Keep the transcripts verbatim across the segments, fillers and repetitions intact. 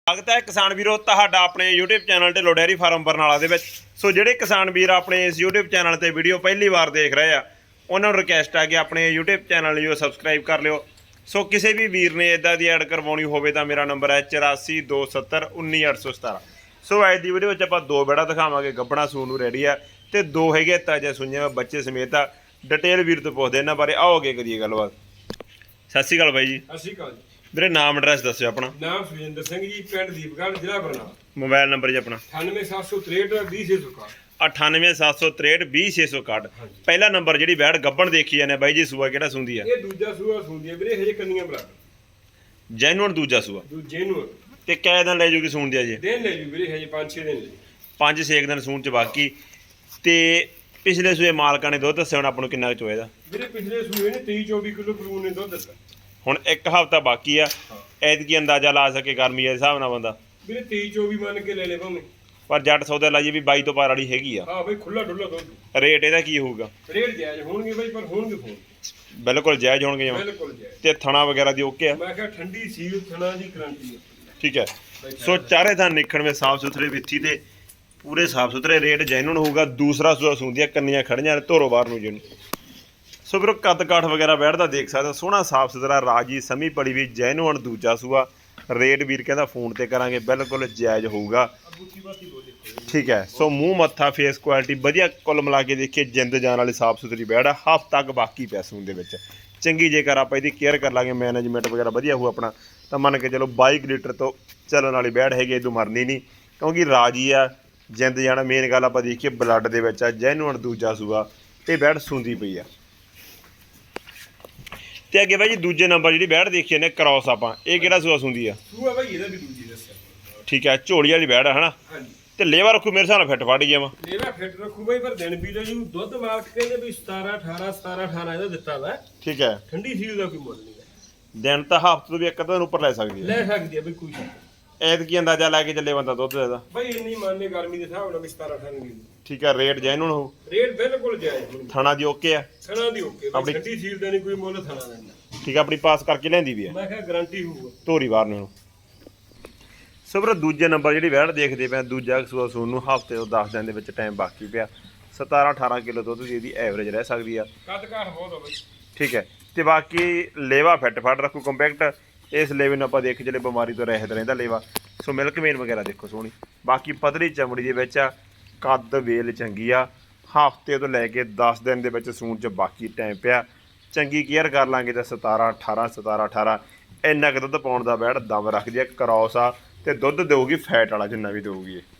स्वागत है किसान वीरों तुहाडा अपने YouTube channel Dhillon dairy farm Barnala दे विच। सो जिहड़े किसान वीर अपने इस यूट्यूब चैनल ते वीडियो पहली बार देख रहे हैं उन्होंने रिक्वेस्ट है कि अपने यूट्यूब चैनल जो सबसक्राइब कर लियो। सो किसी भी वीर ने इदा की ऐड करवानी होवे तां मेरा नंबर है चौरासी दो सत्तर उन्नी अठ सौ सतारा। सो अज की वीडियो आप दो बेड़ा दिखावांगे गब्बड़ा सून नूं रेडी है तो दो है ताजे सुइयां बच्चे समेत आ। डिटेल वीर तो पुछदे इन्हां बारे आओ अगे करिए गलबात। सत श्री अकाल बाई जी। सत श्री अकाल जी। मेरे नाम एड्रैस दस्यो अपना। नाम सुजिंदर सिंह जी, पिंड दीपगढ़, जिला बरनाला। मोबाइल नंबर जी अपना अठानवे सत्त सौ त्रेहठ बीस छे सौ इकाहठ। अठानवे सत्त सौ त्रेहठ बीस छे सौ इकाहठ। पहला नंबर जी बैड़ गब्बन देखी जाने बाई जी सूआ किहड़ा सूंदी है? ये दूजा सूआ सूंदी है वीरे, हजे कन्नियां बराबर। जैनुअन दूजा सूआ दूजे नूं ते कै दिन ले जूगी सून दिया जी? दिन ले जू वीरे, हजे पांच छे दिन ले। पांच छे दिन सून च बाकी। ते पिछले सूए मालकां ने दुध दस्सिया हुण आपां नूं किन्ना चोए दा? वीरे पिछले सूए ने तेईस चौबीस किलो कलून ने दुध दित्ता। हुण एक हफ्ता बाकी आ, ऐतकी अंदाजा ला सके गर्मी दे हिसाब नाल बंदा वीरे तेईस चौबीस मान के ले ले भावें, पर जट सौदा लाइए भी बाई तो पार वाली हैगी आ। हां बई खुला डुल्ला दुध। रेट इहदा की होਊਗਾ? रेट जायज होणगे बई, पर होणगे फोन बिल्कुल जायज होणगे जमा। बिल्कुल जायज। ते थणा वगैरह दी ओके आ? मैं कहा ठंडी सील थणा दी गारंटी है। ठीक है। सो चारे थान निखण में साफ सुथरे विथी ते पूरे साफ सुथरे रेट जैनुअन होगा। दूसरा सूआ सूंदिया कन्नियां खड़ियां धोरो बाहर नूं जिन। सो फिर कद काठ वगैरह बैठदा देख सकते सोहना साफ सुथरा राजी समी पड़ी भी जैनुअन दूजा सूआ। रेट वीर कहता फोन ते करांगे बिल्कुल जायज होगा। ठीक है। सो मूँह मत्था फेस क्वालिटी वधिया कुल मिला के देखिए जिंद जान वाली साफ सुथरी बैड़ है। हफ्ता तक बाकी पै सून दे विच चंगी जेकर आप इसकी केयर कर लांगे मैनेजमेंट वगैरह वधिया हो अपना तो मन के चलो बाई लीटर तो चलन वाली बैड़ हैगी, इदों मरनी नहीं क्योंकि राजी आ जिंद जाना। मेन गल आप देखिए ब्लड दे विच आ जैनुअन दूजा सूआ ते बैड़ सूंदी पई आ। ते अगे भाई जी दूजे नंबर जी बैड़ देखिए ने क्रॉस आप ये किहड़ा सूआ सूंदी आ? सूआ भाई ਇਹਦਾ ਵੀ ਦੂਜੀ ਦੱਸਿਆ। ठीक है। झोड़ी वाली बैड़ है ना? ਹਾਂਜੀ। ਤੇ ਲੇਵਾ ਰੱਖੂ ਮੇਰੇ ਹਿਸਾਬ ਨਾਲ ਫਿੱਟ ਫੜ ਗਿਆ ਵਾ। ਲੇਵਾ ਫਿੱਟ ਰੱਖੂ ਬਈ, ਪਰ ਦਿਨ ਵੀ ਜੀ ਦੁੱਧ ਮਾਲਕ ਕਹਿੰਦੇ ਵੀ ਸਤਾਰਾਂ ਅਠਾਰਾਂ ਸਤਾਰਾਂ ਅਠਾਰਾਂ ਇਹਦਾ ਦਿੱਤਾ ਵਾ। ਠੀਕ ਹੈ। ਠੰਡੀ ਸੀਲ ਦਾ ਕੋਈ ਮੁੱਲ ਨਹੀਂ ਹੈ। ਦਿਨ ਤਾਂ ਹਫ਼ਤੇ ਤੋਂ ਵੀ ਇੱਕ ਅੱਧਾ ਦਿਨ ਉੱਪਰ ਲੈ ਸਕਦੀ ਹੈ। ਲੈ ਸਕਦੀ ਹੈ ਬਈ ਕੋਈ ਸ਼ੱਕ। ਐਤਕੀ ਅੰਦਾਜ਼ਾ ਲਾ ਕੇ ਚੱਲੇ ਬੰਦਾ ਦੁੱਧ ਦਾ ਬਈ ਇੰਨੀ ਮੰਨੇ ਗਰਮੀ ਦੇ ਹਿਸਾਬ ਨਾਲ ਵੀ ਸਤਾਰਾਂ ਅਠਾਰਾਂ ਦੀ। ਠੀਕ ਹੈ। ਰੇਟ ਜੈਨੂਨ ਹੋ? ਰੇਟ ਬਿਲਕੁਲ ਜਾਇਜ਼ ਹੋਊ। ਥਣਾ ਦੀ ਓਕੇ ਆ? ਥਣਾ ਦੀ ਓਕੇ ਬਈ, ਠੰਡੀ ਸੀਲ ਦਾ ਨਹੀਂ ਕੋਈ ਮੁੱਲ ਥਣਾ ਦਾ ਨਹੀਂ। ਠੀਕ ਹੈ। ਆਪਣੀ ਪਾਸ ਕਰਕੇ ਲੈਂਦੀ ਵੀ ਹੈ? ਮੈਂ ਕਿਹਾ ਗਾਰੰਟੀ ਹੋਊਗਾ ਧੋਰੀ ਬਾਹਰ ਨੂੰ। ਸੋ ਵੀਰ ਦੂਜੇ ਨੰਬਰ ਜਿਹੜੀ ਵੈੜ ਦੇਖਦੇ ਪਏ ਦੂਜਾ ਸੂਆ ਸੂਣ ਨੂੰ ਹਫ਼ਤੇ ਤੋਂ ਦਸ ਦਿਨ ਦੇ ਵਿੱਚ ਟਾਈਮ ਬਾਕੀ ਪਿਆ। ਸਤਾਰਾਂ ਅਠਾਰਾਂ ਕਿਲੋ ਦੁੱਧ ਦੀ ਇਹਦੀ ਐਵਰੇਜ ਰਹਿ ਸਕਦੀ ਆ। ਕੱਦ ਕਾਠ ਬਹੁਤ ਆ ਬਈ। ਠੀਕ ਹੈ। ਤੇ ਬਾਕੀ ਲੇਵਾ ਫਿੱਟ ਫੜ ਰੱਖੂ ਕੰਪੈਕਟ। ਇਸ ਲੇਵੇ ਨੂੰ ਆਪਾਂ ਦੇਖ ਚਲੇ ਬਿਮਾਰੀ ਤੋਂ ਰਹਿਤ ਰਹਿੰਦਾ ਲੇਵਾ। ਸੋ ਮਿਲਕ ਮੇਨ ਵਗੈਰਾ ਦੇਖੋ ਸੋਹਣੀ। ਬਾਕੀ ਪਤਲੀ ਚਮੜੀ ਦੇ ਵਿੱਚ ਆ, ਕੱਦ ਵੇਲ ਚੰਗੀ ਆ। ਹਫ਼ਤੇ ਤੋਂ ਲੈ ਕੇ ਦਸ ਦਿਨ ਦੇ ਵਿੱਚ ਸੂਣ 'ਚ ਬਾਕੀ ਟਾਈਮ ਪਿਆ। ਚੰਗੀ ਕੇਅਰ ਕਰ ਲਾਂਗੇ ਤਾਂ ਸਤਾਰਾਂ ਅਠਾਰਾਂ ਸਤਾਰਾਂ ਅਠਾਰਾਂ ਇੰਨਾ ਕੁ ਦੁੱਧ ਪਾਉਣ ਦਾ ਬੈੜ ਦਮ ਰੱਖਦੀ ਆ। ਕਰੌਸ ਆ ਤੇ ਦੁੱਧ ਦੇਊਗੀ ਫੈਟ ਵਾਲਾ ਜਿੰਨਾ ਵੀ ਦੇਊਗੀ ਇਹ।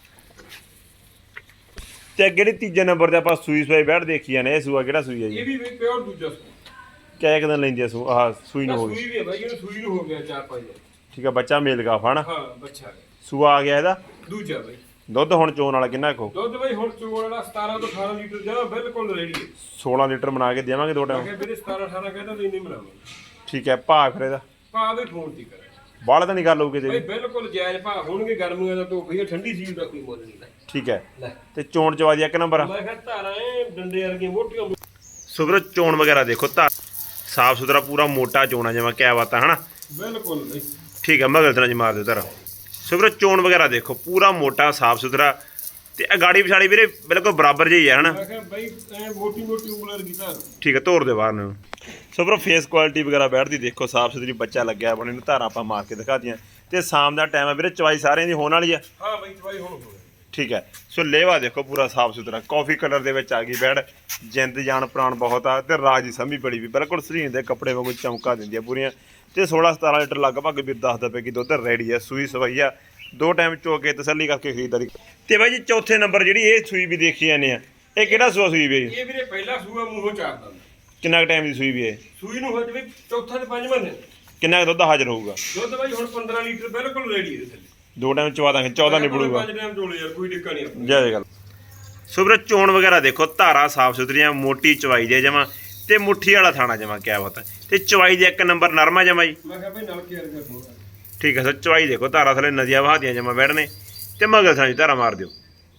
ਤੇ ਅੱਗੇ ਜਿਹੜੀ ਤੀਜੇ ਨੰਬਰ ਤੇ ਆਪਾਂ ਸੂਈ ਸੂਈ ਬੈੜ ਦੇਖੀ ਜਾਂਦੇ ਇਹ ਸੂਆ ਕਿਹੜਾ ਸੂਈ ਆ ਜੀ? ਇਹ ਵੀ ਬਈ ਪਿਓਰ ਦੂਜਾ ਸੂਆ। ਕਿਆ ਇੱਕ ਦਿਨ ਲੈਂਦੀ ਆ ਸੂ ਆਹ ਸੂਈ ਨੂੰ ਹੋ ਗਈ? ਸੂਈ ਵੀ ਹੈ ਬਈ, ਇਹਨੂੰ ਸੂਈ ਨੂੰ ਹੋ ਗਿਆ ਚਾਰ ਪੰਜ ਦਿਨ। ਠੀਕ ਆ। ਬੱਚਾ ਮੇਲ ਗਾਫ ਹਨਾ? ਹਾਂ ਬੱਚਾ ਹੈ। ਸੂਆ ਆ ਗਿਆ ਇਹਦਾ ਦੂਜਾ ਬਈ। ਦੁੱਧ ਹੁਣ ਚੋਣ ਵਾਲਾ ਕਿੰਨਾ ਕੋ? ਦੁੱਧ ਬਈ ਹੁਣ ਚੋਣ ਵਾਲਾ ਸਤਾਰਾਂ ਤੋਂ ਅਠਾਰਾਂ ਲੀਟਰ ਜਮਾ ਬਿਲਕੁਲ ਰੈਡੀ ਹੈ। ਸੋਲਾਂ ਲੀਟਰ ਬਣਾ ਕੇ ਦੇਵਾਂਗੇ ਦੋ ਮੈਂ ਟਾਈਮ? ਕਿਹਾ ਵੀਰੇ ਸਤਾਰਾਂ ਅਠਾਰਾਂ ਕਹਿੰਦਾ ਨਹੀਂ ਨਹੀਂ ਬਣਾਵਾਂਗੇ। ਠੀਕ ਹੈ। ਭਾਅ ਫਿਰ ਇਹਦਾ ਭਾਅ ਦੇ ਫੋਨ ਤੇ ਕਰੇ ਬਾਹਲਾ ਤਾਂ ਨਹੀਂ ਗੱਲ ਹੋਊਗੀ ਬਈ, ਤੇਰੀ? ਬਿਲਕੁਲ ਜਾਇਜ਼ ਭਾਅ ਹੋਣਗੇ। ਗਰਮੀਆਂ ਦਾ ਧੁੱਪ ਹੀ ਠੰਡੀ ਸੀਲ ਦਾ ਕੋਈ ਮੁੱਲ ਨਹੀਂ ਲੈ। ਠੀਕ ਹੈ। ਲੈ ਤੇ ਚੋਣ ਚਵਾਦੀ ਇੱਕ ਨੰਬਰ ਆ? ਮੈਂ ਕਿਹਾ ਧਾਰਾਂ ਐ ਡੰਡੇ ਵਰਗੀਆਂ ਮੋਟੀਆਂ। ਸੋ ਵੀਰੋ ਚੋਣ ਵਗੈਰਾ ਦੇਖੋ ਧਾਰ ਸਾਫ ਸੁਥਰਾ ਪੂਰਾ ਮੋਟਾ ਚੋਣਾ ਜਿਵੇਂ ਕਿਆ ਬਾਤ ਹੈ ਹਨਾ? ਬਿਲਕੁਲ ਬਈ। ਠੀਕ ਹੈ। ਮਗਰ ਤਰ੍ਹਾਂ ਜੀ ਮਾਰ ਦਿਓ ਧਾਰਾ। ਸੋ ਵੀਰੋ ਚੋਣ ਵਗੈਰਾ ਦੇਖੋ ਪੂਰਾ ਮੋਟਾ ਸਾਫ ਸੁਥਰਾ ਤੇ ਅਗਾੜੀ ਪਿਛਾੜੀ ਵੀਰੇ ਬਿਲਕੁਲ ਬਰਾਬਰ ਜਿਹੀ ਹੈ ਹਨਾ? ਮੈਂ ਕਿਹਾ ਬਈ ਐ ਮੋਟੀ ਮੋਟੀ ਉਂਗਲ ਵਰਗੀ ਧਾਰ। ਠੀਕ ਹੈ। ਧੋਰ ਦੇ ਬਾਹਰ ਨੂੰ। ਸੋ ਵੀਰੋ ਫੇਸ ਕੁਆਲਿਟੀ ਵਗੈਰਾ ਬੈਠਦੀ ਦੇਖੋ ਸਾਫ ਸੁਥਰੀ ਬੱਚਾ ਲੱਗਿਆ ਆਪਣੇ ਨੂੰ। ਧਾਰਾਂ ਆਪਾਂ ਮਾਰ ਕੇ ਦਿਖਾ ਦੀਆਂ ਤੇ ਸ਼ਾਮ ਦਾ ਟਾਈਮ ਹੈ ਵੀਰੇ ਚਵਾਈ ਸਾਰਿਆਂ ਦੀ ਹੋਣ ਵਾਲੀ ਆ। ਹਾਂ ਬਈ ਚਵਾਈ ਹੁਣ ਹੋ ਠੀਕ ਹੈ। ਸੋ ਲੇਵਾ ਦੇਖੋ ਪੂਰਾ ਸਾਫ ਸੁਥਰਾ ਕਾਫੀ ਕਲਰ ਦੇ ਵਿੱਚ ਆ ਗਈ ਬੈੜ। ਜਿੰਦ ਜਾਨ ਪ੍ਰਾਣ ਬਹੁਤ ਆ ਤੇ ਰਾਜੀ ਸਮੀ ਬੜੀ ਵੀ ਬਿਲਕੁਲ ਸਰੀਨ ਦੇ ਕੱਪੜੇ ਵਾਂਗੂ ਚਮਕਾ ਦਿੰਦੀ ਆ ਪੂਰੀਆਂ। ਤੇ ਸੋਲਾਂ ਸਤਾਰਾਂ ਲੀਟਰ ਲਗਭਗ ਵੀਰ ਦੱਸਦਾ ਪਿਆ ਕਿ ਦੁੱਧ ਰੈਡੀ ਆ। ਸੂਈ ਸਵਾਈ ਆ ਦੋ ਟਾਈਮ ਚੋ ਕੇ ਤਸੱਲੀ ਕਰਕੇ ਖਰੀਦਦਾਰੀ। ਤੇ ਬਾਈ ਜੀ ਚੌਥੇ ਨੰਬਰ ਜਿਹੜੀ ਇਹ ਸੂਈ ਵੀ ਦੇਖੀ ਜਾਂਦੇ ਆ ਇਹ ਕਿਹੜਾ ਸੂਆ ਸੂਈ ਵੀ? ਇਹ ਵੀਰੇ ਪਹਿਲਾ ਸੂਆ ਮੂੰਹੋਂ ਚਾਰਦਾ। ਕਿੰਨਾ ਟਾਈਮ ਦੀ ਸੂਈ ਵੀ ਹੈ? ਸੂਈ ਨੂੰ ਹੋ ਜਵੇ ਚੌਥਾ ਤੇ ਪੰਜਵਾਂ ਦਿਨ। ਕਿੰਨਾ ਕੁ ਦੁੱਧ ਹਾਜ਼ਰ ਹੋਊਗਾ? ਦੁੱਧ ਬਾਈ ਹੁਣ ਪੰਦਰਾਂ ਲੀਟਰ ਬਿਲਕੁਲ ਰੈਡੀ ਹੈ ਥੱਲੇ। ਦੋ ਟਾਈਮ ਚਵਾ ਦਾਂਗੇ ਚੌਦਾਂ ਨਿਬੜੂਗਾ। ਪੰਜ ਟਾਈਮ ਚੋਲੇ ਯਾਰ ਕੋਈ ਦਿੱਕਤ ਨਹੀਂ ਆਪਣੀ। ਜੈ ਗੱਲ। ਸੋ ਵੀਰੇ ਚੋਣ ਵਗੈਰਾ ਦੇਖੋ ਧਾਰਾ ਸਾਫ ਸੁਥਰੀਆਂ ਮੋਟੀ ਚਵਾਈ ਦੇ ਜਮਾ ਤੇ ਮੁੱਠੀ ਵਾਲਾ ਥਾਣਾ ਜਮਾ ਕਿਆ ਬਾਤ ਹੈ। ਤੇ ਚਵਾਈ ਦੇ ਇੱਕ ਨੰਬਰ ਨਰਮਾ ਜਮਾ ਜੀ। ਮੈਂ ਕਿਹਾ ਭਾਈ ਨਾਲ ਕੇਅਰ ਕਰ ਦੋ। ਠੀਕ ਹੈ। ਸੋ ਚਵਾਈ ਦੇਖੋ ਧਾਰਾ ਥਲੇ ਨਦੀਆਂ ਵਹਾਦੀਆਂ ਜਮਾ ਬੈਠਣੇ ਤੇ ਮਗਰ ਸਾਂ ਧਾਰਾ ਮਾਰ ਦਿਓ।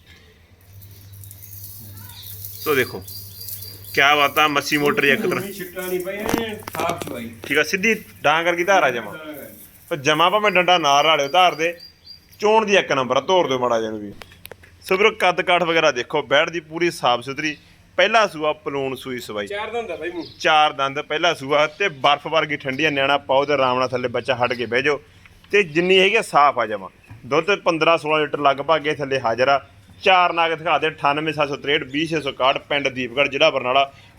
ਸੋ ਦੇਖੋ ਕਿਆ ਬਾਤ ਆ ਮੱਸੀ ਮੋਟਰ ਇੱਕ ਤਰ੍ਹਾਂ ਛਿੱਟਾ ਨਹੀਂ ਪਈ ਸਾਫ ਚਵਾਈ। ਠੀਕ ਆ। ਸਿੱਧੀ ਡਾਂਗ ਕਰਕੇ ਧਾਰਾ ਜਮਾ ਜਮਾ ਭਾਵੇਂ ਡੰਡਾ ਨਾ ਰਾਲਿਓ ਧਾਰ ਦੇ ਚੋਣ ਦੀ ਇੱਕ ਨੰਬਰ ਆ, ਤੋਰ ਦਿਓ ਮਾੜਾ ਜਿਹਾ ਨੂੰ ਵੀ। ਸੋ ਵੀਰੋ ਕੱਦ ਕਾਠ ਵਗੈਰਾ ਦੇਖੋ, ਬੈੜ ਦੀ ਪੂਰੀ ਸਾਫ ਸੁਥਰੀ, ਪਹਿਲਾ ਸੂਆ ਪਲੂਣ ਸੂਈ ਸਵਾਈ, ਚਾਰ ਦੰਦ ਆ ਬਾਈ ਮੂੰਹ, ਚਾਰ ਦੰਦ ਪਹਿਲਾ ਸੂਆ ਤੇ ਬਰਫ਼ ਵਰਗੀ ਠੰਡੀ ਆ। ਨਿਆਣਾ ਪਾਓ ਤੇ ਆਰਾਮ ਨਾਲ ਥੱਲੇ ਬੱਚਾ ਹਟ ਕੇ ਬਹਿ ਜਾਓ ਤੇ ਜਿੰਨੀ ਹੈਗੀ ਆ ਸਾਫ ਆ ਜਾਵਾਂ। ਦੁੱਧ ਪੰਦਰਾਂ ਸੋਲਾਂ ਲੀਟਰ ਲਗਭਗ ਇਹ ਥੱਲੇ ਹਾਜ਼ਰ ਆ। ਚਾਰ ਨਾਗ ਦਿਖਾ ਦੇ ਅਠਾਨਵੇਂ ਸੱਤ ਸੌ ਤਰੇਹਠ ਵੀਹ ਛੇ ਸੌ ਇਕਾਹਠ, ਪਿੰਡ ਦੀਪਗੜ੍ਹ, ਜ਼ਿਲ੍ਹਾ ਬਰਨਾਲਾ।